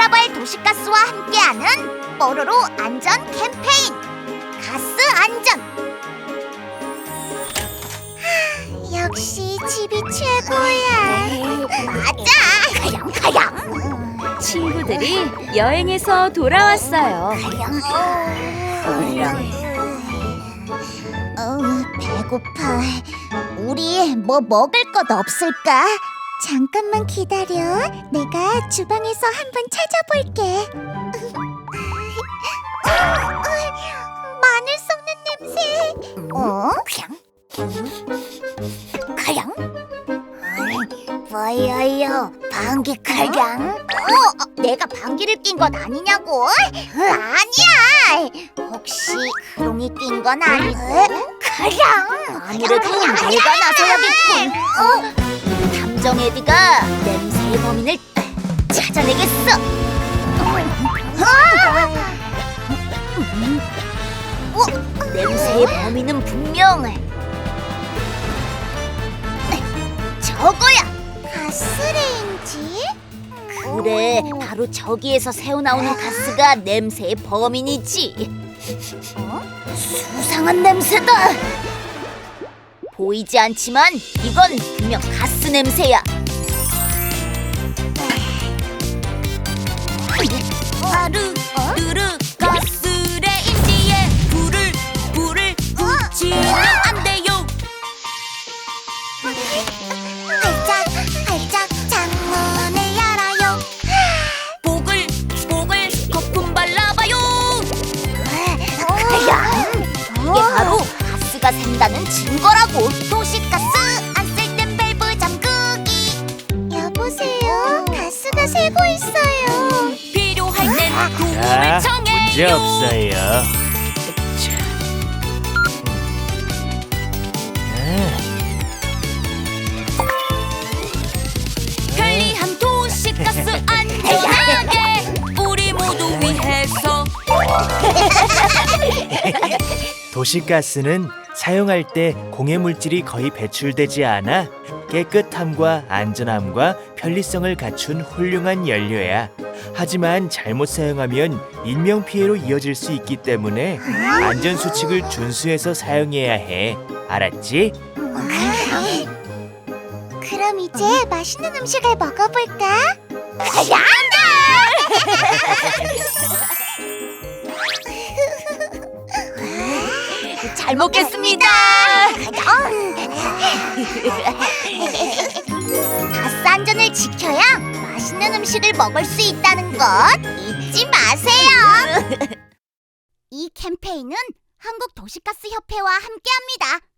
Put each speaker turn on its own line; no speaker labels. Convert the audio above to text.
돌아볼 도시가스와 함께하는 뽀로로 안전 캠페인 가스 안전. 역시 집이 최고야. 맞아. 가영.
친구들이 여행에서 돌아왔어요.
배고파. 우리 뭐 먹을 것 없을까? 잠깐만 기다려. 내가 주방에서 한번 찾아볼게. 마늘 썩는 냄새. 가양? 뭐예요? 방귀 가양? 내가 방귀를 낀 건 아니냐고? 아니야. 혹시 크롱이 낀 건 아니고? 가양? 아무래도 내가 나서야겠군. 탐정 에디가 냄새의 범인을 찾아내겠어. 냄새의 범인은 분명 저거야. 가스레인지? 그래, 바로 저기에서 새어나오는 가스가 냄새의 범인이지. 수상한 냄새다. 보이지 않지만 이건 분명 가스 냄새야. 아르르르 가스레인지에 불을 붙이면 안 돼요. 활짝 창문을 열어요. 보글 거품 발라봐요. 이게 바로 가스가 샌다는 증거라고. 도시가스 안 쓸 땐 밸브 잠그기. 여보세요, 가스가 새고 있어요. 필요할 땐 도움을 청해요.
문제 없어요.
편리한 도시가스 안전하게 우리 모두 위해서.
도시가스는 사용할 때 공해 물질이 거의 배출되지 않아 깨끗함과 안전함과 편리성을 갖춘 훌륭한 연료야. 하지만 잘못 사용하면 인명피해로 이어질 수 있기 때문에 안전수칙을 준수해서 사용해야 해. 알았지?
그럼 이제 맛있는 음식을 먹어볼까?
잘 먹겠습니다.
가스 안전을 지켜야 맛있는 음식을 먹을 수 있다는 것 잊지 마세요. 이 캠페인은 한국도시가스협회와 함께합니다.